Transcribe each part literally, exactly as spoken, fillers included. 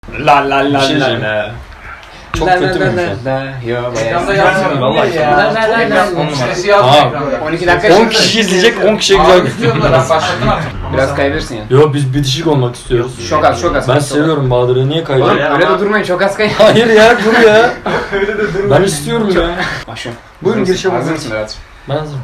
La la la Bir şey la diyeceğim. la. Çok La kötü la müymüş la ya? la. Yo bayağı. Ekranda yazmıyor Vallahi ya. La la la la. Ekran On on numara. sesi yazmıyor Aa, ekranda. on iki dakika on şimdi. kişi izleyecek, on kişiye güzel gözüküyor. Ben başlattım artık. Biraz kayabilirsin ya. Yo biz bitişik olmak istiyoruz. Çok az çok az. Ben seviyorum Bahadır'ı, niye Oğlum kaybediyorum? öyle de durmayın, çok az kay. Hayır ya, dur ya. Ben istiyorum ya. Başlıyorum. Buyurun, girişe Hazır bakın. mısın Berat? Ben hazırım.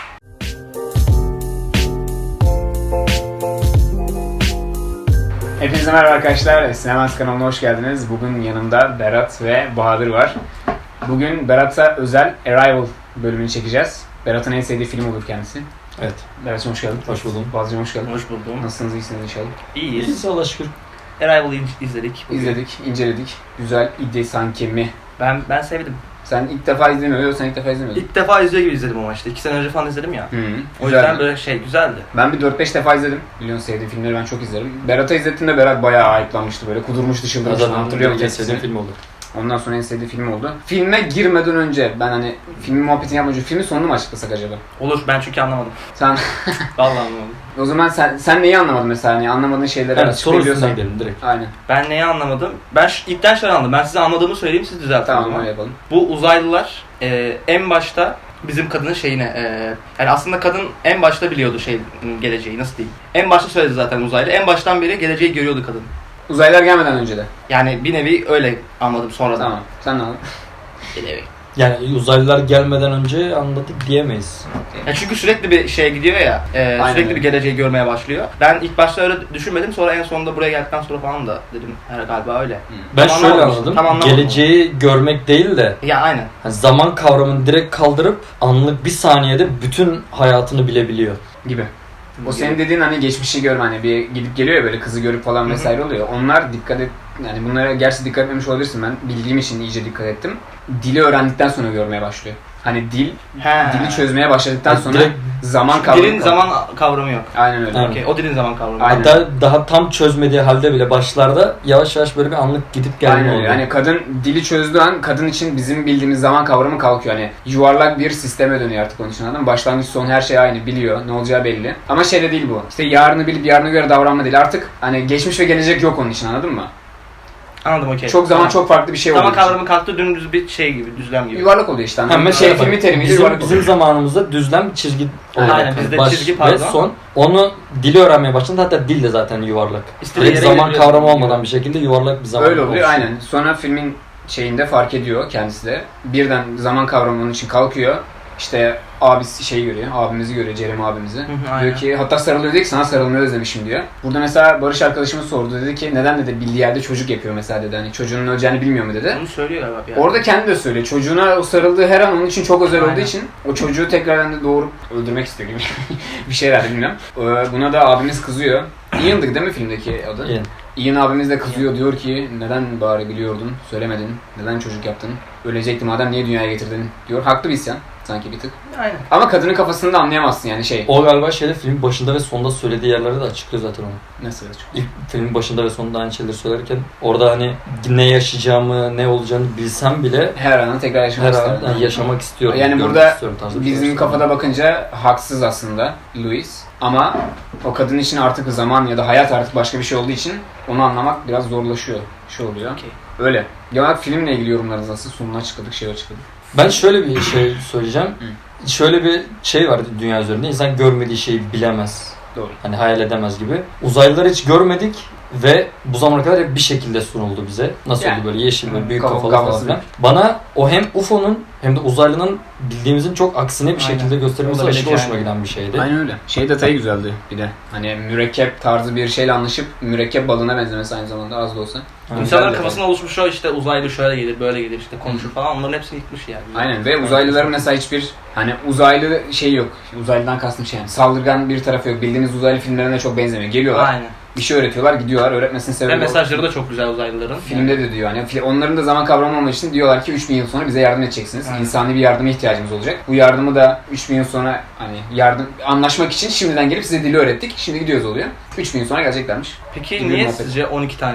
Hepinize merhaba arkadaşlar. Sinemans kanalına hoş geldiniz. Bugün yanımda Berat ve Bahadır var. Bugün Berat'a özel Arrival bölümünü çekeceğiz. Berat'ın en sevdiği film olur kendisi. Evet. Berat'cığım hoş geldin. Hoş buldum. Bazıcığım hoş geldin. Hoş buldum. Nasılsınız, iyisiniz inşallah. İyiyiz. İyiyiz Allah'a şükür. Arrival'ı izledik. bugün. İzledik, inceledik. Güzel idi sanki mi? Ben ben sevdim. Sen ilk defa izlemiyorsun, yok sen ilk defa izlemiyordun. İlk defa izliyor gibi izledim ama işte. İki sene önce falan izledim ya. Hı, O güzel. yüzden böyle şey güzeldi. Ben bir dört beş defa izledim. Biliyorsun sevdiğim filmleri ben çok izlerim. Berat'a izlettiğimde Berat bayağı ayıplanmıştı böyle. Kudurmuştu, çıldırmıştı. Zaten Hatırlıyor musun? en sevdiğim film oldu. Ondan sonra en sevdiği film oldu. Filme girmeden önce ben hani filmin muhabbetini yapmadan önce filmin sonunu mu açıklasak acaba? Olur, ben çünkü anlamadım. Sen Vallahi anlamadım. o zaman sen sen neyi anlamadın mesela, hani anlamadığın şeyleri Evet, soru açıklayabiliyorsan. üstünden gidelim direkt. Aynen. Ben neyi anlamadım? Ben şu, ilkten şöyle anladım. Ben size anladığımı söyleyeyim, siz düzeltin. o Tamam zaman. öyle yapalım. Bu uzaylılar e, en başta bizim kadının şeyine e, yani aslında kadın en başta biliyordu şey geleceği, nasıl diyeyim. En başta söyledi zaten uzaylı. En baştan beri geleceği görüyordu kadın. Uzaylılar gelmeden önce de. Yani bir nevi öyle anladım sonradan. Tamam. Sen ne anladın? Bir nevi. Yani uzaylılar gelmeden önce anladık diyemeyiz. Ya çünkü sürekli bir şeye gidiyor ya, e, Aynen sürekli öyle. bir geleceği görmeye başlıyor. Ben ilk başta öyle düşünmedim, sonra en sonunda buraya geldikten sonra falan da dedim her galiba öyle. Ben Tam şöyle anlamadım. anladım. Tam anlamadım. Geleceği görmek değil de Ya aynen. hani zaman kavramını direkt kaldırıp anlık bir saniyede bütün hayatını bilebiliyor. Gibi. O senin dediğin hani geçmişi görme, hani bir gidip geliyor ya böyle kızı görüp falan vesaire oluyor. Onlar dikkat et, yani bunlara gerçi dikkat etmemiş olabilirsin, ben bildiğim için iyice dikkat ettim. Dili öğrendikten sonra görmeye başlıyor. Hani dil, He. dili çözmeye başladıktan Yani sonra direkt zaman kavramı. Dilin zaman kavramı yok. Aynen öyle. Evet. Okey, o dilin zaman kavramı. Aynen. hatta daha tam çözmediği halde bile başlarda yavaş yavaş böyle bir anlık gidip gelme Aynen öyle. oluyor. Yani kadın dili çözdüğü an kadın için bizim bildiğimiz zaman kavramı kalkıyor. Hani yuvarlak bir sisteme dönüyor artık onun için, anladın mı? Başlangıç son her şey aynı, biliyor, ne olacağı belli. Ama şey de değil bu. İşte yarını bilip yarına göre davranma değil. Artık hani geçmiş ve gelecek yok onun için, anladın mı? Anladım, okey. Çok zaman Tamam. çok farklı bir şey oluyor. Zaman kavramı kalktı, dümdüz bir şey gibi, düzlem gibi. Yuvarlak oluyor işte. Ha, Anladın mı? mesela Şey, bak, filmi terimiyle bizim, yuvarlak bizim oluyor. zamanımızda düzlem bir çizgi olarak. Aynen, hani bizde baş çizgi ve pardon. son. Onu dili öğrenmeye başladı. Hatta dil de zaten yuvarlak. İstediği Direkt yere zaman gelebiliyor. kavramı olmadan bir şekilde yuvarlak bir zaman Öyle oluyor oluşuyor. aynen. Sonra filmin şeyinde fark ediyor kendisi de. Birden zaman kavramı onun için kalkıyor. İşte abisi şeyi görüyor, abimizi görüyor, Jeremy abimizi. hı, Diyor aynen. ki, hatta sarılıyor diyor ki sana sarılmayı özlemişim diyor. Burada mesela Barış arkadaşımız sordu, dedi ki neden dedi bildiği yerde çocuk yapıyor mesela dedi, hani çocuğunun öleceğini bilmiyor mu dedi. Onu söylüyor galiba bir yerde. Orada kendi de söylüyor, çocuğuna o sarıldığı her an onun için çok özel olduğu Aynen. için o çocuğu tekrardan da doğurup öldürmek istiyor gibi bir şeyler bilmiyorum. Ee, Buna da abimiz kızıyor. Ian'dı değil mi filmdeki adı? Ian. Ian abimiz de kızıyor, diyor ki neden bari biliyordun, söylemedin, neden çocuk yaptın, ölecekti madem niye dünyaya getirdin diyor. Haklı bir isyan sanki bir tık. Aynen. Ama kadının kafasını da anlayamazsın yani şey. O galiba şeyde filmin başında ve sonunda söylediği yerlerde de açıklıyor zaten onu. Nasıl açık? İlk filmin başında ve sonunda aynı şeyleri söylerken orada hani ne yaşayacağımı, ne olacağını bilsem bile Her anı tekrar her yaşamak an isterdim. yani yaşamak istiyorum. Yani görmek burada istiyorum tarzı bir şey bizim söylüyor. kafada bakınca haksız aslında Louis. Ama o kadın için artık zaman ya da hayat artık başka bir şey olduğu için onu anlamak biraz zorlaşıyor. Şey oluyor. Okey. Öyle. Genel filmle ilgili yorumlarınız nasıl? Sonunu açıkladık, şey açıkladık. Ben şöyle bir şey söyleyeceğim. Şöyle bir şey var dünya üzerinde. İnsan görmediği şeyi bilemez. Doğru. Hani hayal edemez gibi. Uzaylıları hiç görmedik ve bu zamana kadar hep bir şekilde sunuldu bize. Nasıl Yani. oldu böyle yeşil böyle büyük Kafa- kafalı falan kafası filan. Bana o hem U F O'nun hem de uzaylının bildiğimizin çok aksine bir Aynen. şekilde gösterilmesi Olabilir aşırı hoşuma yani. giden bir şeydi. Aynen öyle. Şey detayı güzeldi bir de. Hani mürekkep tarzı bir şeyle anlaşıp mürekkep balığına benzemesi aynı zamanda az da olsa. Aynen. İnsanların Güzel kafasına oluşmuş o işte uzaylı şöyle gelir, böyle gelir, işte konuşur falan, onların hepsini yıkmış yani. Aynen ve uzaylıların mesela hiçbir hani uzaylı şey yok. Uzaylıdan kastım şey yani saldırgan bir tarafı yok. Bildiğimiz uzaylı filmlerine çok benzemiyor. Geliyorlar, Aynen. bir şey öğretiyorlar, gidiyorlar. Öğretmesinin Ve sebebi o. mesajları da çok güzel uzaylıların. Filmde de diyor hani fi- onların da zaman kavramı olmak için diyorlar ki üç bin yıl sonra bize yardım edeceksiniz. Aynen. İnsani bir yardıma ihtiyacımız olacak. Bu yardımı da üç bin yıl sonra hani yardım anlaşmak için şimdiden gelip size dili öğrettik. Şimdi gidiyoruz oluyor. üç bin yıl sonra geleceklermiş. Peki Gibi niye muhabbet. sizce on iki tane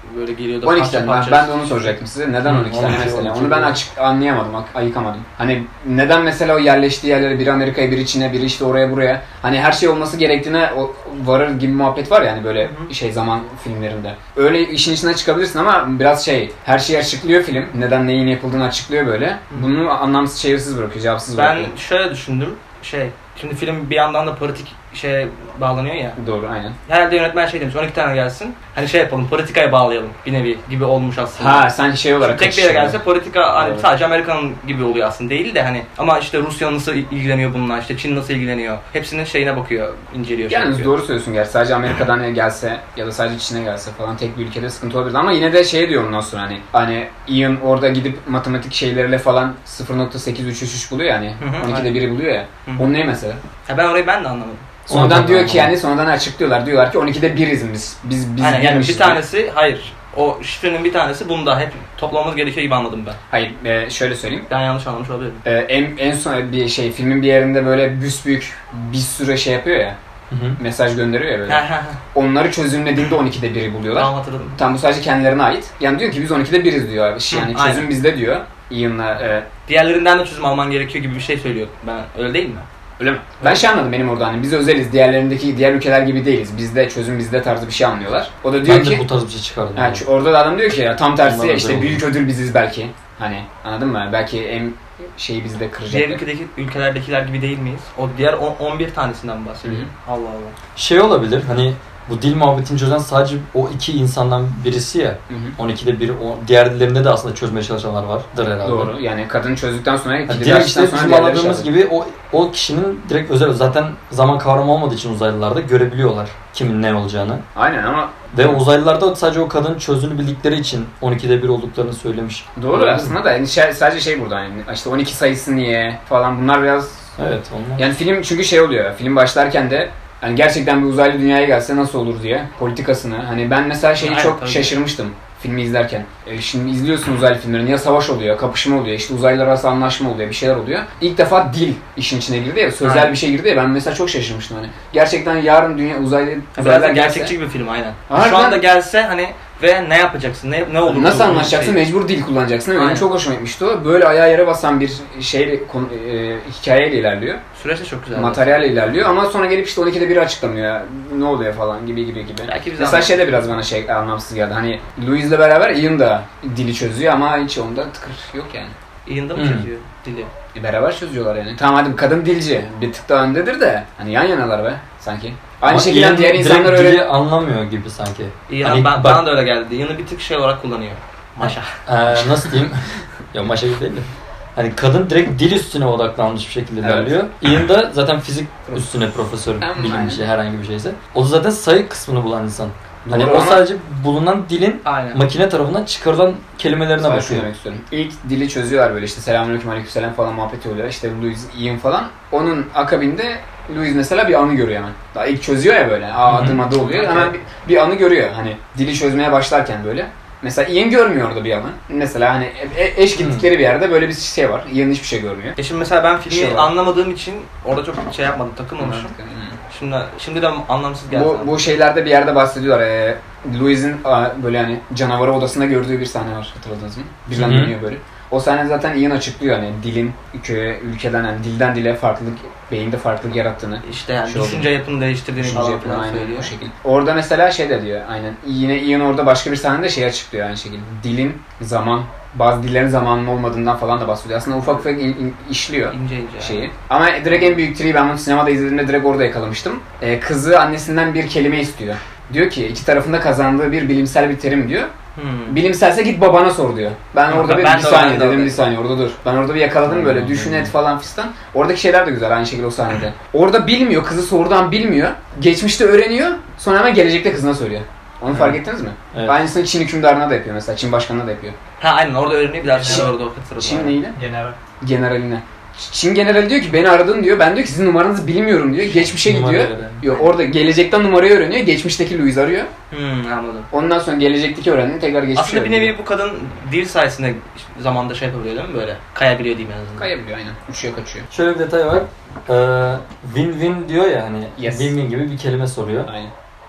böyle geliyordu. on iki parça tane. Ben, parça. ben de onu soracaktım size. Neden Hı, on iki tane on iki, mesela? on iki Onu ben değil. açık anlayamadım, ak- ayıkamadım. Hani neden mesela o yerleştiği yerlere biri Amerika'ya, biri Çin'e, biri işte oraya buraya. Hani her şey olması gerektiğine o, varır gibi muhabbet var ya hani böyle Hı hı. şey zaman filmlerinde. Öyle işin içine çıkabilirsin ama biraz şey, her şeyi açıklıyor film. Neden neyin yapıldığını açıklıyor böyle. Bunu anlamsız, çevirsiz bırakıyor, cevapsız Ben bırakıyor. şöyle düşündüm. Şey, şimdi film bir yandan da politik şeye bağlanıyor ya. Doğru, aynen. Herhalde yönetmen şey demiş, on iki tane gelsin. Hani şey yapalım, politikaya bağlayalım bir nevi gibi olmuş aslında. Ha sen şey olarak Tek bir yere kaçışıyor. gelse politika hani Evet. sadece Amerika'nın gibi oluyor aslında değil de hani ama işte Rusya nasıl ilgileniyor bununla, işte Çin nasıl ilgileniyor. Hepsinin şeyine bakıyor, inceliyor. şey Yalnız yapıyor. doğru söylüyorsun gerçi. Sadece Amerika'dan gelse ya da sadece Çin'e gelse falan tek bir ülkede sıkıntı olabilir. Ama yine de şey diyor ondan sonra hani hani Ian orada gidip matematik şeyleriyle falan sıfır nokta sekiz üç üç üç buluyor yani. Hı hı, on ikide aynen. biri buluyor ya. Hı hı. Onun ne mesela? Ha, ben orayı ben de anlamadım. Sonradan Ondan diyor ki anlamadım. yani sonradan açıklıyorlar. Diyorlar ki on ikide biriz biz. Biz biz Aynen yani birmişiz bir diyor. tanesi hayır. O şifrenin bir tanesi bunda hep toplamamız gerekiyor gibi anladım ben. Hayır e, şöyle söyleyeyim. Ben yanlış anlamış olabilirim. E, en, en son bir şey filmin bir yerinde böyle büsbüyük bir sürü şey yapıyor ya. Hı hı. Mesaj gönderiyor ya böyle. Ha ha ha. Onları çözümlediğinde on ikide biri buluyorlar. Tamam hatırladım. Tam bu sadece kendilerine ait. Yani diyor ki biz on ikide biriz diyor abi. Yani Hı, çözüm aynen. bizde diyor. Ian'la e, Diğerlerinden de çözüm alman gerekiyor gibi bir şey söylüyor. Ben öyle değil mi? öyle mi? Ben şey anladım benim orada hani biz özeliz. Diğerlerindeki diğer ülkeler gibi değiliz. Bizde çözüm bizde tarzı bir şey anlıyorlar. O da diyor Ben ki de bu tarz bir şey çıkardım. ha, ç- orada da adam diyor ki ya tam tersi Onlar ya, özel işte oldu. büyük ödül biziz belki. Hani anladın mı? Belki en şeyi bizde Diğer kıracaklar. ülkedeki ülkelerdekiler gibi değil miyiz? O diğer on- on bir tanesinden bahsediyorum. Hı Allah Allah. Şey olabilir hani bu dil muhabbetini çözen sadece o iki insandan birisi ya. Hı hı. on ikide bir, o, diğer dillerinde de aslında çözmeye çalışanlar vardır herhalde. Doğru. Yani kadın çözdükten sonra Yani ikili direkt işte verdikten sonra bizim diğerleri anladığımız şey gibi o o kişinin direkt özel zaten zaman kavramı olmadığı için uzaylılar da görebiliyorlar kimin ne olacağını. aynen ama Ve uzaylılar da sadece o kadının çözdüğünü bildikleri için on ikide bir olduklarını söylemiş. doğru Olabilir mi? aslında da yani şey- sadece şey burada yani işte on iki sayısı niye falan bunlar biraz Evet onlar. yani film çünkü şey oluyor. Film başlarken de hani gerçekten bir uzaylı dünyaya gelse nasıl olur diye politikasını. Hani ben mesela şeyi Aynen, çok tabii. şaşırmıştım filmi izlerken. E, şimdi izliyorsun uzaylı filmlerini ya savaş oluyor, kapışma oluyor, işte uzaylılar arası anlaşma oluyor, bir şeyler oluyor. İlk defa dil işin içine girdi ya, sözel Aynen. bir şey girdi ya ben mesela çok şaşırmıştım hani. Gerçekten yarın dünya uzaylı Biraz uzaylılar da gelse gerçekçi bir film aynen. Harbiden- Şu anda gelse hani ve ne yapacaksın? Ne ne olur? nasıl bu anlaşacaksın? şey? Mecbur dil kullanacaksın. Benim Aynen. çok hoşuma gitmişti o. Böyle ayağa yere basan bir şeyle konu- e, hikayeyle ilerliyor. Süreç de çok güzel. Materyalle ilerliyor ama sonra gelip işte on ikide biri açıklamıyor. Ne oluyor falan gibi gibi gibi. Belki biz Mesela şey de biraz bana şey anlamsız geldi. Hani Louis'le beraber Ian da dili çözüyor ama hiç onda tıkır yok yani. Ian'da mı Hmm. çözüyor dili? E, beraber çözüyorlar yani. Tamam hadi kadın dilci. Bir tık daha öndedir de. Hani yan yanalar be sanki. Aynı Ama şekilde Ian diğer direkt insanlar dili öyle... anlamıyor gibi sanki. Ian Hani ben, bak- bana da öyle geldi. Ian'ı bir tık şey olarak kullanıyor. Maşa. Ee, nasıl diyeyim? Ya maşa gibi değil de. Hani kadın direkt dil üstüne odaklanmış bir şekilde Evet. ilerliyor. Ian da zaten fizik üstüne profesör Aynen. bilim bir şey herhangi bir şeyse. O da zaten sayı kısmını bulan insan. Hani Doğru o ama- sadece bulunan dilin Aynen. makine tarafından çıkarılan kelimelerine Sadece şunu bakıyor. demek istiyorum. İlk dili çözüyorlar böyle işte selamünaleyküm aleykümselam falan muhabbeti oluyor. İşte Louis, Ian falan. Onun akabinde Louis mesela bir anı görüyor hemen. Daha ilk çözüyor ya böyle. Aa Hı hı. adım adı oluyor. Hemen bir, bir anı görüyor. Hani dili çözmeye başlarken böyle. Mesela Ian görmüyor orada bir anı. Mesela hani e- eş gittikleri bir yerde böyle bir şey var. Ian hiçbir şey görmüyor. E şimdi mesela ben filmi Şey var. anlamadığım için orada çok şey yapmadım, takılmamışım. Şimdi şimdi de anlamsız geldi. Bu, sana. bu şeylerde bir yerde bahsediyorlar. Ee, Louis'in aa, böyle hani canavarı odasında gördüğü bir sahne var. Hatırladınız mı? Birden Hı hı. dönüyor böyle. O sahne zaten Ian açıklıyor hani dilin köye, ülkeden yani dilden dile farklılık, beyinde farklılık yarattığını. işte yani Şey düşünce yapını değiştirdiğini Düşünce falan yapını filan aynen söylüyor. o şekilde. Orada mesela şey de diyor aynen. Yine Ian orada başka bir sahnede şey açıklıyor aynı şekilde. Dilin zaman, bazı dillerin zamanının olmadığından falan da bahsediyor. Aslında ufak ufak in- in- işliyor İnce ince. şeyi. Ama direkt en büyük triyi ben bunu sinemada izlediğimde direkt orada yakalamıştım. Ee, kızı annesinden bir kelime istiyor. Diyor ki iki tarafında kazandığı bir bilimsel bir terim diyor. Hmm. Bilimselse git babana sor diyor. Ben Hı, orada bir, ben bir de saniye orada- dedim bir saniye orada dur. Ben orada bir yakaladım böyle Hmm. düşün et falan fistan. Oradaki şeyler de güzel aynı şekilde o sahnede. Orada bilmiyor kızı sorudan bilmiyor. Geçmişte öğreniyor sonra hemen gelecekte kızına söylüyor. Onu fark ettiniz mi? Evet. Aynısını Çin hükümdarına da yapıyor mesela. Çin başkanına da yapıyor. Ha aynen orada öğreniyor bir daha Çin- sonra orada o sırada. Çin neyle? General. Generaline. Çin generali diyor ki beni aradın diyor. Ben diyor ki sizin numaranızı bilmiyorum diyor. Geçmişe gidiyor. Numarayla da. Yok orada gelecekten numarayı öğreniyor. Geçmişteki Louis arıyor. Hmm, anladım. Ondan sonra gelecekteki öğrendiğini tekrar geçmişe Aslında bir öğreniyor. nevi bu kadın dil sayesinde zamanda şey yapabiliyor değil mi böyle? Kayabiliyor diyeyim en azından. Kayabiliyor aynen. Uçuyor kaçıyor. Şöyle bir detay var. Ee, win-win diyor ya hani Yes. win-win gibi bir kelime soruyor. Aynen.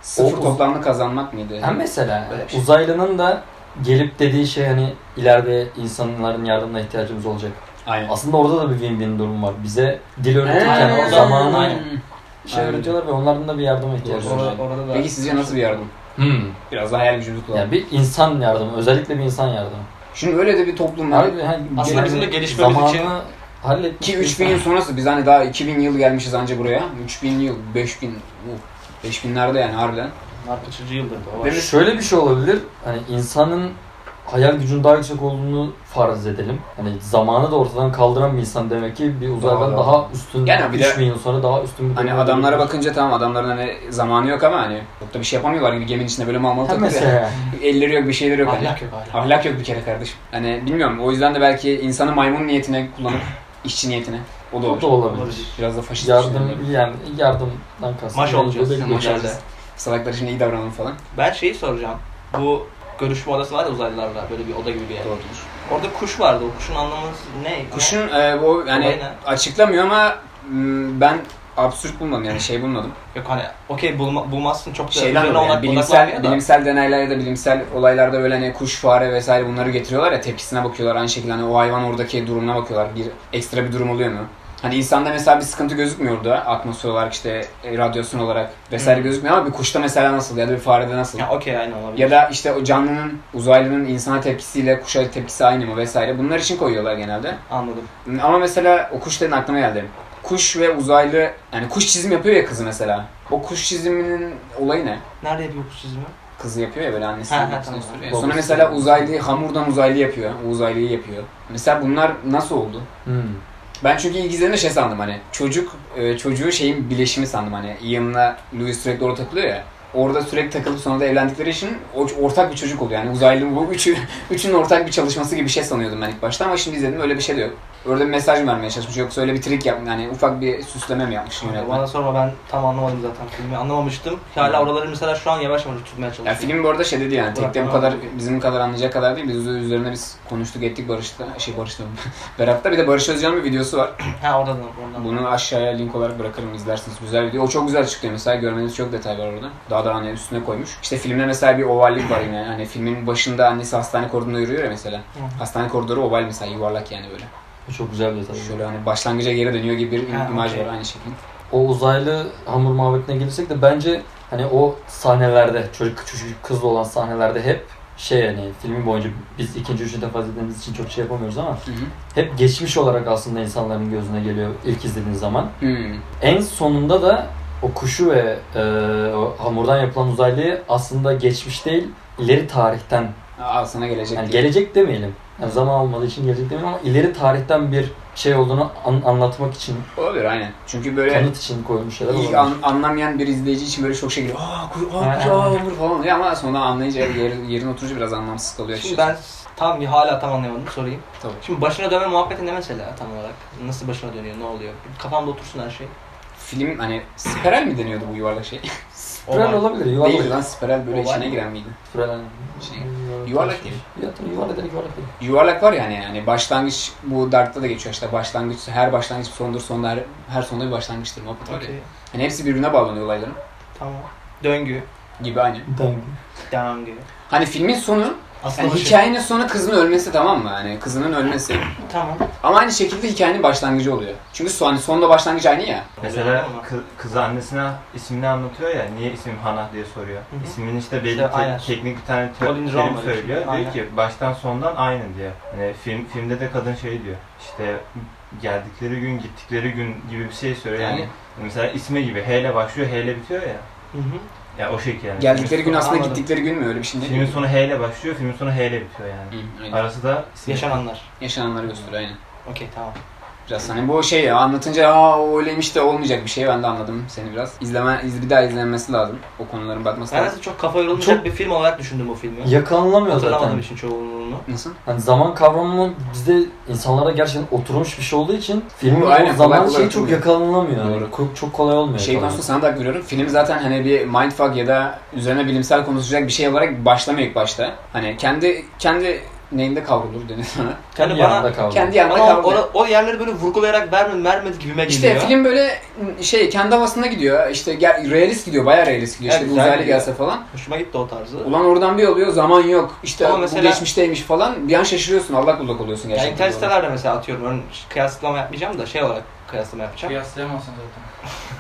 Sıfır O- toplamlı kazanmak mıydı? Hem mesela Böyle bir şey. uzaylının da gelip dediği şey hani ileride insanların yardımına ihtiyacımız olacak. Aynen. Aslında orada da bir win-win durum var. Bize dil öğretirken Ee, o zamanı aynen. şey Aynen. öğretiyorlar ve onların da bir yardıma ihtiyacı Doğru. var. Orada, orada da... Peki sizce nasıl bir yardım? Hmm. Biraz daha hayal gücümüzü kullanalım. Yani bir insan yardımı, özellikle bir insan yardımı. Şimdi öyle de bir toplum var. Abi, hani Aslında yani bizim de gelişmemiz zamanı için- halletmiş Ki bir üç bin insan. yıl sonrası biz hani daha iki bin yıl gelmişiz anca buraya. üç bin yıl, beş bin, uh, beş binlerde yani harbiden. Bunlar kaçıncı yıldır da o var. Değil mi? Şöyle bir şey olabilir. Hani insanın hayal gücünün daha yüksek olduğunu farz edelim. Hani zamanı da ortadan kaldıran bir insan demek ki bir uzaydan Doğru. daha üstün, Yani bir de- üç bin yıl sonra daha üstün bir Hani duruma adamlara gelebilir. bakınca tamam adamların hani zamanı yok ama hani çok da bir şey yapamıyorlar gibi geminin içinde böyle mal mal Ha takılıyor. mesela. Elleri yok bir şeyleri yok hani. Ahlak yok hala. Ahlak yok bir kere kardeşim. Hani bilmiyorum o yüzden de belki insanı maymun niyetine kullanıp işçi niyetine. O da olur. O da olabilir. Olabilir. Biraz da faşist Yardım düşünüyorum. yani yardımdan kastım. Maş olacağız Belli bir maç şey. elde. Salaklar için iyi davranalım falan. Ben şeyi soracağım. Bu görüşme odası var ya uzaylılarla böyle bir oda gibi bir yer. Doğrudur. Orada kuş vardı. O kuşun anlamı ne? Kuşun e, o yani Olay ne? açıklamıyor ama m, ben absürt bulmadım yani şey bulmadım. Yok hani okey bulma, bulmazsın çok da Şeyden üzerine dolayı yani odak- bilimsel, odaklanmıyor da. bilimsel deneyler ya da bilimsel olaylarda böyle hani kuş, fare vesaire bunları getiriyorlar ya tepkisine bakıyorlar. Aynı şekilde hani o hayvan oradaki durumuna bakıyorlar. Bir ekstra bir durum oluyor mu? Hani insanda mesela bir sıkıntı gözükmüyordu atmosfer olarak işte e, radyasyon olarak vesaire Hı. gözükmüyor ama bir kuşta mesela nasıl ya da bir farede nasıl? Ya okey aynı olabilir. Ya da işte o canlının, uzaylının insana tepkisiyle kuşa tepkisi aynı mı vesaire. Bunlar için koyuyorlar genelde. Anladım. Ama mesela o kuş dedin aklıma geldi. Kuş ve uzaylı, yani kuş çizim yapıyor ya kızı mesela. O kuş çiziminin olayı ne? Nerede yapıyor kuş çizimi? Kızı yapıyor ya böyle annesi. Ha, ha, annesi tamam. gösteriyor. Babası. Sonra mesela uzaylı hamurdan uzaylı yapıyor. O uzaylıyı yapıyor. Mesela bunlar nasıl oldu? Hmm. Ben çünkü ilk izlediğimde şey sandım hani çocuk e, çocuğu şeyin bileşimi sandım hani Ian'la Louis sürekli orada takılıyor ya. Orada sürekli takılıp sonra da evlendikleri için o, ortak bir çocuk oluyor. Yani uzaylı bu üçü, üçünün ortak bir çalışması gibi bir şey sanıyordum ben ilk başta ama şimdi izledim öyle bir şey de yok. Orada bir mesaj mı vermeye çalışmış yoksa öyle bir trik yapmış yani ufak bir süsleme mi yapmış yönetmen? Bana sorma ben tam anlamadım zaten filmi. Anlamamıştım. Hala oraları mesela şu an yavaş yavaş tutmaya Ya çalışıyorum. film bu arada şey dedi yani tekte bu Bırak, kadar tamam. bizim kadar anlayacak kadar değil. Biz üzerine biz konuştuk ettik Barış'ta şey Barış'ta Berat'ta bir de Barış Özcan'ın bir videosu var. Ha oradan oradan. Bunu aşağıya link olarak bırakırım izlersiniz. Güzel video. O çok güzel çıkıyor mesela. Görmeniz çok detay var orada. Daha da hani üstüne koymuş. İşte filmde mesela bir ovallik var yine. Hani filmin başında annesi hastane koridorunda yürüyor ya mesela. Hı. Hastane koridoru oval mesela yuvarlak yani böyle. Bu çok güzel bir detay. Şöyle hani başlangıca geri dönüyor gibi bir Ha, imaj okey. var aynı şekilde. O uzaylı hamur muhabbetine gelirsek de bence hani o sahnelerde çocuk küçük kızla olan sahnelerde hep şey hani filmin boyunca biz ikinci üçüncü defa izlediğimiz için çok şey yapamıyoruz ama Hı hı. hep geçmiş olarak aslında insanların gözüne geliyor ilk izlediğin zaman. Hmm. En sonunda da o kuşu ve e, o hamurdan yapılan uzaylıyı aslında geçmiş değil ileri tarihten Al sana gelecek. yani diye. gelecek demeyelim. Yani zaman olmadığı için gelecek demeyelim ama ileri tarihten bir şey olduğunu an- anlatmak için, Olabilir aynen. Çünkü böyle kanıt için koymuş şeyler ilk olabilir. an, anlamayan bir izleyici için böyle çok şey geliyor. Aa kuş, aa kuş, Ha, aa ha. hamur falan oluyor ama sonra anlayınca yer, yerine oturunca biraz anlamsız kalıyor. Şimdi açıkçası. ben tam hala tam anlayamadım sorayım. Tabii. Şimdi başına dönme muhabbeti ne mesela tam olarak? Nasıl başına dönüyor? Ne oluyor? Kafamda otursun her şey. Film hani spiral mi deniyordu bu yuvarlak şey? Spiral Oval. olabilir, yuvarlak. Değil lan spiral böyle Oval içine mi? giren miydi? Spiral hani. Şey, yuvarlak değil. Ya tabii yuvarlak değil, yuvarlak değil. Yuvarlak var yani yani başlangıç bu Dark'ta da geçiyor işte başlangıç her başlangıç sondur sonda her, her sonda bir başlangıçtır muhabbet var ya. Okey. Yani hepsi birbirine bağlanıyor olayların Tamam. Döngü. gibi aynı. Döngü. Döngü. Hani filmin sonu Aslında yani başı- hikayenin sonu kızın ölmesi tamam mı? Yani kızının ölmesi. Tamam. Ama aynı şekilde hikayenin başlangıcı oluyor. Çünkü son, hani sonla başlangıç aynı ya. Mesela kız, kız annesine ismini anlatıyor ya, niye ismim Hana diye soruyor. Hı hı. İsminin işte belli İşte te- aynen. teknik bir tane te- Colin terim Rowan var söylüyor. işte, aynen. Diyor ki baştan sondan aynı diyor. Yani film filmde de kadın şey diyor. İşte geldikleri gün gittikleri gün gibi bir şey söylüyor. Yani Yani mesela ismi gibi H ile başlıyor, H ile bitiyor ya. Hı hı. Ya o şekil yani. geldikleri gün aslında Anladım. gittikleri gün mü öyle bir şey değil Filmin mi? sonu H ile başlıyor, filmin sonu H ile bitiyor yani. Hı, aynen. Arası da isim. Yaşananlar. Yaşananları gösteriyor aynen. Okey tamam. Biraz hani bu şey ya anlatınca aa o öyleymiş de olmayacak bir şey ben de anladım seni biraz. İzleme, iz, bir daha izlenmesi lazım. O konuların bakması Ben lazım. de çok kafa yorulmayacak Çok- bir film olarak düşündüm bu filmi. Yakalanamıyor Hatırlamadığım zaten. için çoğunluğunu. Nasıl? Hani zaman kavramı bizde insanlara gerçekten oturmuş bir şey olduğu için filmin Aynen, o zaman kolay kolay şeyi çok oturmuyor. yakalanamıyor. Yani. Doğru. Çok, çok kolay olmuyor. Şey yakalamak. konusunda sana da hak veriyorum. Film zaten hani bir mindfuck ya da üzerine bilimsel konuşacak bir şey olarak başlamıyor ilk başta. Hani kendi kendi neyinde kavrulur denir sana. Kendi Yani bana- yanında kaldı. Kendi yanında Ama kavrulur. o, o yerleri böyle vurgulayarak vermedi, vermedi gibime İşte geliyor. film böyle şey kendi havasında gidiyor. İşte gel, realist gidiyor, bayağı realist gidiyor. Evet, İşte bir güzel uzaylı gidiyor. gelse falan. Hoşuma gitti o tarzı. Ulan oradan bir oluyor, zaman yok. İşte Ama bu mesela- geçmişteymiş falan. Bir an şaşırıyorsun, allak bullak oluyorsun Yani gerçekten. Interstellar'da mesela atıyorum, örneğin kıyaslama yapmayacağım da şey olarak kıyaslama yapacağım. Kıyaslayamazsın zaten.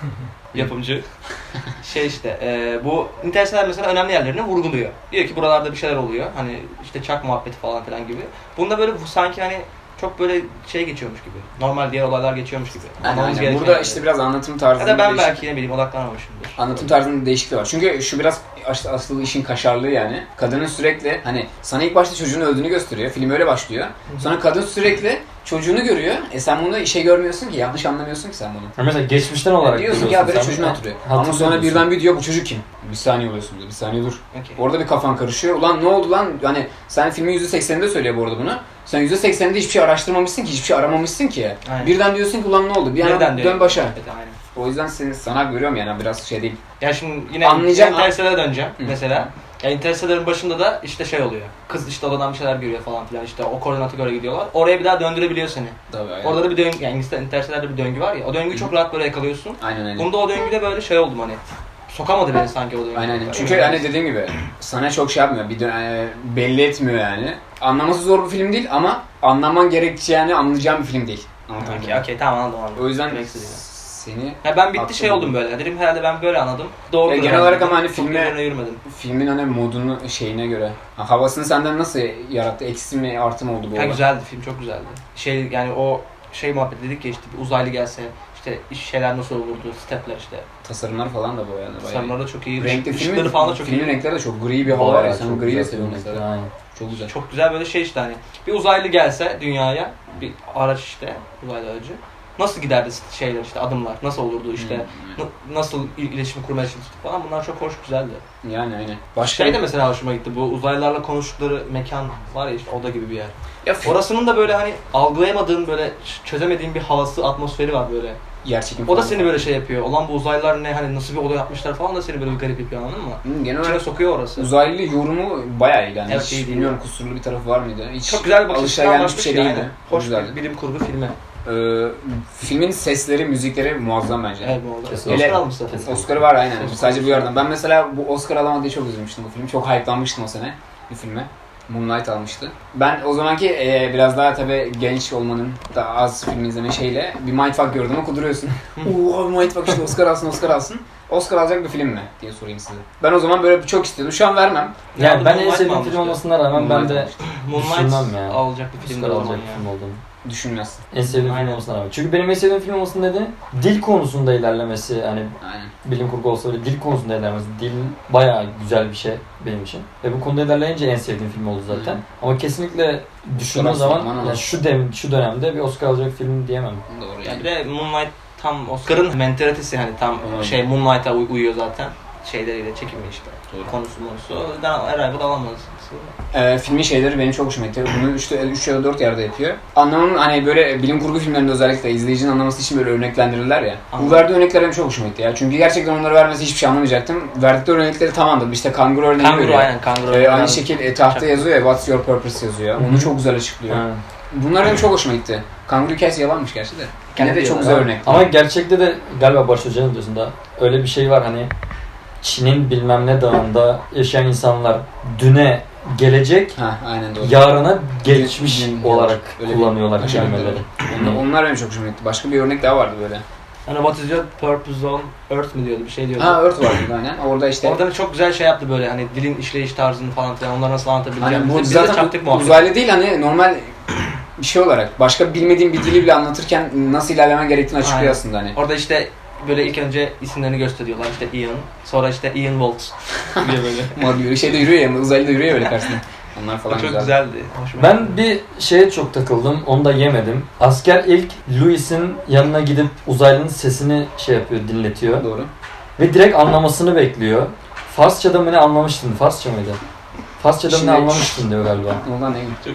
Yapımcı. şey işte, e, bu Interstellar mesela önemli yerlerini vurguluyor. Diyor ki buralarda bir şeyler oluyor. Hani işte çak muhabbeti falan filan gibi. Bunda böyle bu sanki hani çok böyle şey geçiyormuş gibi. Normal diğer olaylar geçiyormuş gibi. Yani Anlamamız aynen. gereken Burada yerler. işte biraz anlatım Ya tarzında da ben değişik- belki ne bileyim odaklanmamışımdır. Anlatım tarzında değişikliği var. Çünkü şu biraz as- asıl işin kaşarlığı yani. Kadının sürekli hani sana ilk başta çocuğun öldüğünü gösteriyor. Film öyle başlıyor. Sonra kadın sürekli çocuğunu görüyor. E sen bunu işe görmüyorsun ki, yanlış anlamıyorsun ki sen bunu. Ha mesela geçmişten olarak Diyorsun ki ya böyle sen. çocuğunu hatırlıyor. Ama Hatırlıyor sonra musun? birden bir diyor bu çocuk kim? Bir saniye oluyorsun diyor. Bir saniye dur. Okey. Orada bir kafan karışıyor. Ulan ne oldu lan? Hani sen filmin yüzde sekseninde söylüyor bu arada bunu. Sen yüzde sekseninde hiçbir şey araştırmamışsın ki, hiçbir şey aramamışsın ki. Aynen. Birden diyorsun ki ulan ne oldu? Bir Nereden yana diyor? dön başa. Evet, aynen. O yüzden seni sana görüyorum yani biraz şey değil. Ya şimdi yine Anlayacağım- Interstellar'a döneceğim Hı. mesela. Ya Interstellar'ın başında da işte şey oluyor. Kız işte odadan bir şeyler görüyor falan filan, işte o koordinata göre gidiyorlar. Oraya bir daha döndürebiliyor seni. Tabii aynen. Orada da bir döngü, yani Interstellar'da bir döngü var ya. O döngüyü çok rahat böyle yakalıyorsun. Aynen aynen. Bunda o döngüde böyle şey oldum hani. Sokamadı beni sanki o döngü. Aynen aynen. Çünkü hani dediğim gibi sana çok şey yapmıyor. Bir dön- e, belli etmiyor yani. Anlaması zor bir film değil ama anlaman gerekeceğini anlayacağın bir film değil. Anlatabildim Okey, mi? okey, tamam anladım anladım. O yüzden Demek istediğini. seni Ya ben bitti Haklı şey oldum buldum. böyle. Dedim herhalde ben böyle anladım. Doğru. Ya genel olarak ama hani filme- üzerine yürümedim. filmin hani modunu şeyine göre ha, havasını senden nasıl yarattı? Eksi mi artı mı oldu bu Ya olay? güzeldi, film çok güzeldi. Şey yani o şey muhabbet dedik ya, işte bir uzaylı gelse işte iş şeyler nasıl olurdu, stepler işte. Tasarımlar falan da bu yani. bayağı iyi. Tasarımları da çok iyi. Renkli Işıkları filmin, falan da çok filmin iyi. renkleri de çok gri bir hava var ya. Bayağı Sen çok griyi de güzel seviyorsun filmler. mesela. Aynen. Çok güzel. Çok güzel böyle şey işte hani bir uzaylı gelse dünyaya, bir araç işte uzaylı aracı. Nasıl giderdi şeyler işte, adımlar nasıl olurdu işte, Hmm, n- nasıl il- iletişim kurmaya çalıştık falan, bunlar çok hoş, güzeldi. yani aynen. Başka Şey de mesela hoşuma gitti, bu uzaylılarla konuştukları mekan var ya, işte oda gibi bir yer. ya, Orasının da böyle hani algılayamadığın, böyle ç- çözemediğin bir havası, atmosferi var böyle. yer çekim O da falan seni var. böyle şey yapıyor. Olan bu uzaylılar ne, hani nasıl bir oda yapmışlar falan da seni böyle bir garip yapıyor, anladın mı? Hmm, genel İçine olarak sokuyor orası. uzaylı yorumu bayağı iyi yani. Evet, Hiç iyi değil bilmiyorum ya. kusurlu bir tarafı var mıydı? Hiç Çok güzel bir bakış açısından alışılagelmiş bir şey bakmış ya, değildi. aynen. O Hoş güzeldi. bir bilim kurgu filmi. Ee, filmin sesleri, müzikleri muazzam bence. Evet bu oldu. Kesinlikle. Oscar almıştı. Kesinlikle. Oscar'ı var aynen. Kesinlikle. Sadece bu yerden. Ben mesela bu Oscar alamadı diye çok üzülmüştüm bu film. Çok hype'lanmıştım o sene bu filme. Moonlight almıştı. Ben o zamanki e, biraz daha tabii genç olmanın da az film izleme şeyle bir mindfuck gördüm ama kuduruyorsun. Ooo mindfuck işte Oscar alsın Oscar alsın. Oscar alacak bir film mi diye sorayım size. Ben o zaman böyle çok istiyordum. Şu an vermem. Yani ben en Moonlight sevdiğim almıştı. film olmasına rağmen ben de Moonlight düşünmem ya. alacak bir film Oscar de o alacak zaman bir ya. film olduğunu. Düşünmezsin. En sevdiğim film Aynen. olmasına rağmen. Çünkü benim en sevdiğim film olmasının nedeni dil konusunda ilerlemesi. Hani Aynen. bilim kurgu olsa bile dil konusunda ilerlemesi. Dil bayağı güzel bir şey benim için. Ve bu konuda ilerleyince en sevdiğim film oldu zaten. Hı. Ama kesinlikle düşündüğüm Oscar zaman aslında, yani şu dem şu dönemde bir Oscar alacak film diyemem. Doğru Ya yani. bir de Moonlight tam Oscar'ın mentalitesi, hani tam Aynen. şey Moonlight'a uy- uyuyor zaten. Şeyleriyle, çekimi işte. Doğru. Konusu monusu. O yüzden Arrival alamaz. Ee, filmin şeyleri benim çok hoşuma gitti. Bunu üç ya da dört yerde yapıyor. Anlamın hani böyle bilim kurgu filmlerinde özellikle izleyicinin anlaması için böyle örneklendirirler ya. Anladım. Bu verdiği örnekler benim çok hoşuma gitti ya. Çünkü gerçekten onları vermesi hiçbir şey anlamayacaktım. Verdikleri örnekleri tamamdır. İşte kanguru örneğini Kanguru veriyor. aynen, kanguru. Ee, aynı Yani şekil e, tahta Çok- yazıyor ya, What's your purpose yazıyor. Onu Hı hı. çok güzel açıklıyor. Ha. Bunlar benim çok hoşuma gitti. Kanguru hikayesi yalanmış gerçi de. Yine de Kendi çok yalan. güzel örnek. Ama gerçekte de galiba Barış Hoca'nın diyorsun öyle bir şey var hani Çin'in bilmem ne dağında yaşayan insanlar düne gelecek, Ha, aynen doğru. yarına geçmiş Gün- olarak öyle bir kullanıyorlar aşağı yukarı. kelimeleri. Onlar, onlar benim çok hoşuma gitti. Başka bir örnek daha vardı böyle. Hani what is your purpose on earth mi diyordu, bir şey diyordu. Ha, Earth vardı aynen. Orada işte Orada da çok güzel şey yaptı böyle, hani dilin işleyiş tarzını falan filan, onları nasıl anlatabileceğini. hani bu Biz de zaten çaktık muhabbet. uzaylı değil hani normal bir şey olarak başka bilmediğin bir dili bile anlatırken nasıl ilerlemen gerektiğini açıklıyor Aynen. aslında hani. Orada işte böyle ilk önce isimlerini gösteriyorlar, işte Ian, sonra işte Ian Waltz diye böyle. Ama yürü şeyde yürüyor ya, uzaylı da yürüyor böyle karşısında. Onlar O falan çok güzel. güzeldi. Hoşuma Ben gitti. bir şeye çok takıldım, onu da yemedim. Asker ilk Louis'in yanına gidip uzaylının sesini şey yapıyor, dinletiyor. Doğru. Ve direkt anlamasını bekliyor. Farsça'da mı ne anlamıştın? Farsça mıydı? Farsça'da mı Şimdi- ne anlamıştın diyor galiba. Ondan ne?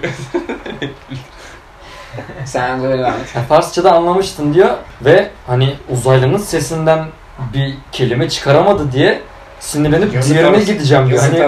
Sen böyle devam et. Yani Farsça'da anlamıştın diyor ve hani uzaylının sesinden bir kelime çıkaramadı diye sinirlenip Yazıklar diğerine olsun. gideceğim diyor. Yazıklar Hani olsun.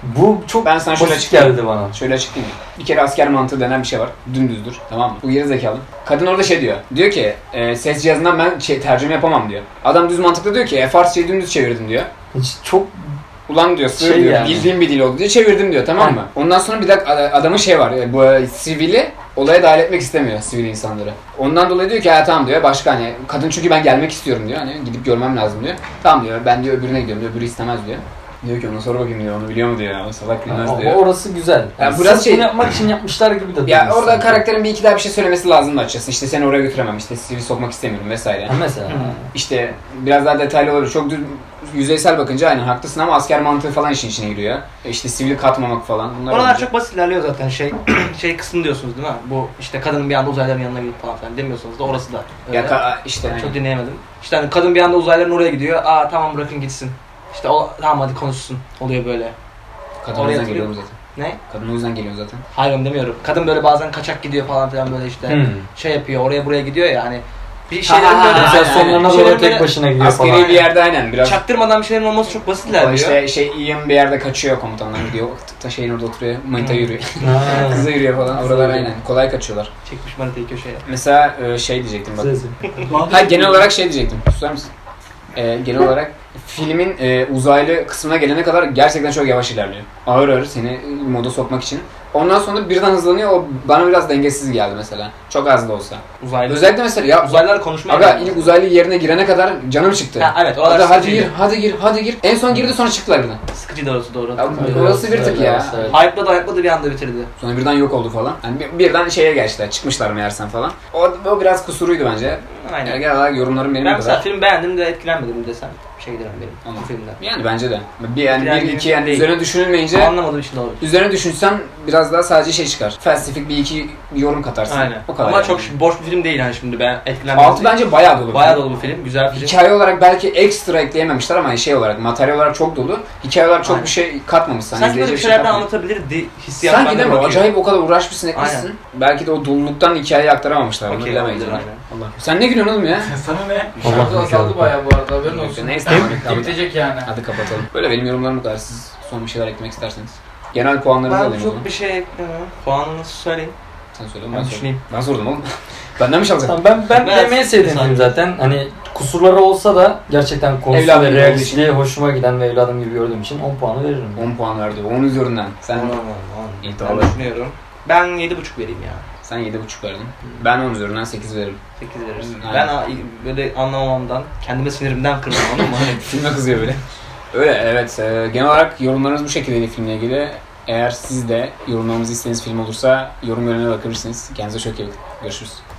Bu çok Ben sana şöyle basit açıklayayım. geldi bana. Şöyle açıklayayım. Bir kere asker mantığı denen bir şey var. Dümdüzdür. Tamam mı? Bu geri zekalı. Kadın orada şey diyor. Diyor ki e, ses cihazından ben şey, tercüme yapamam diyor. Adam düz mantıklı diyor ki e, Farsçayı dümdüz çevirdim diyor. Hiç çok Ulan diyor sığır Şey diyor. yani. Bildiğim bir dil oldu diye çevirdim diyor. Tamam Heh. mı? Ondan sonra bir dakika adamın şey var. e, Bu e, sivili olaya dahil etmek istemiyor sivil insanları. Ondan dolayı diyor ki ha tamam diyor. Başka hani kadın çünkü ben gelmek istiyorum diyor. Hani gidip görmem lazım diyor. Tamam diyor. Ben diyor öbürüne gidiyorum diyor. Öbürü istemez diyor. Diyor ki ona sor bakayım diyor. Onu biliyor mu diyor. O salak bilmez ama diyor. orası güzel. Yani biraz sırf şey- bunu yapmak için yapmışlar gibi de Ya değil orada sanki. karakterin bir iki daha bir şey söylemesi lazım açıkçası. İşte seni oraya götüremem. İşte sivil sokmak istemiyorum vesaire. Ha, mesela. İşte biraz daha detaylı olur. Çok düz, yüzeysel bakınca aynen haklısın ama asker mantığı falan işin içine giriyor. E İşte sivili katmamak falan. Bunlar Oralar olunca- çok basit ilerliyor zaten şey şey kısmı diyorsunuz değil mi? Bu işte kadının bir anda uzaylıların yanına gidip falan filan demiyorsunuz da orası da öyle. Ya ka- işte Çok aynen. dinleyemedim. İşte hani kadın bir anda uzaylıların oraya gidiyor. Aa tamam bırakın gitsin. İşte o tamam hadi konuşsun. Oluyor böyle. Kadın Oraya o yüzden hatırlıyor geliyor zaten. Ne? Kadın o yüzden geliyor zaten. Hayır onu demiyorum. Kadın böyle bazen kaçak gidiyor falan filan böyle işte Hmm. şey yapıyor. Oraya buraya gidiyor ya hani bir Ha, şeylerin ha, böyle ha, Mesela aynen, sonlarına aynen. doğru Şeylerin tek böyle başına gidiyor Askeri falan. bir yerde aynen biraz. çaktırmadan bir şeylerin olması çok basit O ilerliyor. işte şey Ian bir yerde kaçıyor komutanlar gidiyor. Ta şeyin orada oturuyor. Manita Hmm. yürüyor. Ha. Kıza yürüyor falan. Kıza Oralar yürüyor. aynen. Kolay kaçıyorlar. Çekmiş manitayı köşeye. Mesela e, şey diyecektim bak. Sesi. Ha genel olarak şey diyecektim. Susar mısın? Ee, genel olarak filmin e, uzaylı kısmına gelene kadar gerçekten çok yavaş ilerliyor. Ağır ağır seni moda sokmak için. Ondan sonra birden hızlanıyor. O bana biraz dengesiz geldi mesela. Çok az da olsa. Uzaylı. Özellikle mesela ya Uzaylılarla konuşmaya aga geldi. ilk uzaylı yerine girene kadar canım çıktı. Ha, evet, oralar Hadi, hadi sıkıcıydı. gir, hadi gir, hadi gir. En son girdi sonra çıktılar birden. Sıkıcı da orası doğru. Ya, hatırlıyorum. orası bir tık ya. Evet. Hype'ladı hype'ladı bir anda bitirdi. Sonra birden yok oldu falan. Yani bir- birden şeye geçtiler. Çıkmışlar meğersem falan. O, o biraz kusuruydu bence. Aynen. Yani genel olarak yorumlarım benim Ben bu mesela kadar. film beğendim de etkilenmedim desem bir şey giderim benim Anladım. bu filmden. Yani bence de. Bir yani bir Etkilendiğim iki yani değil. üzerine düşünülmeyince Anlamadığım için de olabilir. üzerine düşünsen biraz daha sadece şey çıkar. Felsefik bir iki yorum katarsın. Aynen. O kadar. Ama yani. çok boş bir film değil yani şimdi ben etkilenmedim. Altı bence bayağı dolu. Bayağı dolu bir film, güzel bir film. Hikaye olarak belki ekstra ekleyememişler ama şey olarak, materyal olarak çok dolu. Hikaye olarak çok Aynen. bir şey katmamışsın. Sanki böyle bir izleyecek şeylerden katmamış. anlatabilirdi hissiyat Sanki bende değil mi? bakıyor. Acayip o kadar uğraşmışsın etmişsin. Aynen. Belki de o doluluktan hikayeyi aktaramamışlar. Onu Okey, bilemeyiz. olabilir, yani. aynen. Allah. Sen ne gülüyorsun oğlum ya? Sana ne? Allah Şarkı Allah. azaldı bayağı bu arada haberin olsun. Neyse tamam. hadi, Bitecek yani. hadi kapatalım. Böyle benim yorumlarım bu kadar. Siz son bir şeyler eklemek isterseniz. Genel puanlarınızı Ben alayım o zaman. çok bir şey eklemiyorum. Puanını söyleyeyim. Sen söyle. Ben Ben, sordum. düşüneyim. Ben sordum oğlum. Benden mi çalacaksın? Tamam, ben ben Ben- demeye sevdiğim film zaten. Hani kusurları olsa da gerçekten konusu Evladım ve gibi realistliği hoşuma giden ve evladım gibi gördüğüm için on puanı veririm. on puan verdi. on üzerinden. Sen Tamam, İyi, Ben tamam. düşünüyorum. Ben yedi buçuk vereyim ya. sen yedi buçuk verdin. Ben on üzerinden sekiz veririm. sekiz veririz. Aynen. Ben a- böyle anlamamamdan, kendime sinirimden kırdım anladın mı? Hani Filme kızıyor böyle. Öyle evet. E, genel olarak yorumlarınız bu şekildeydi filmle ilgili. Eğer siz de yorumlamanızı istediğiniz film olursa yorum bölümüne bakabilirsiniz. Kendinize çok iyi bakın. Görüşürüz.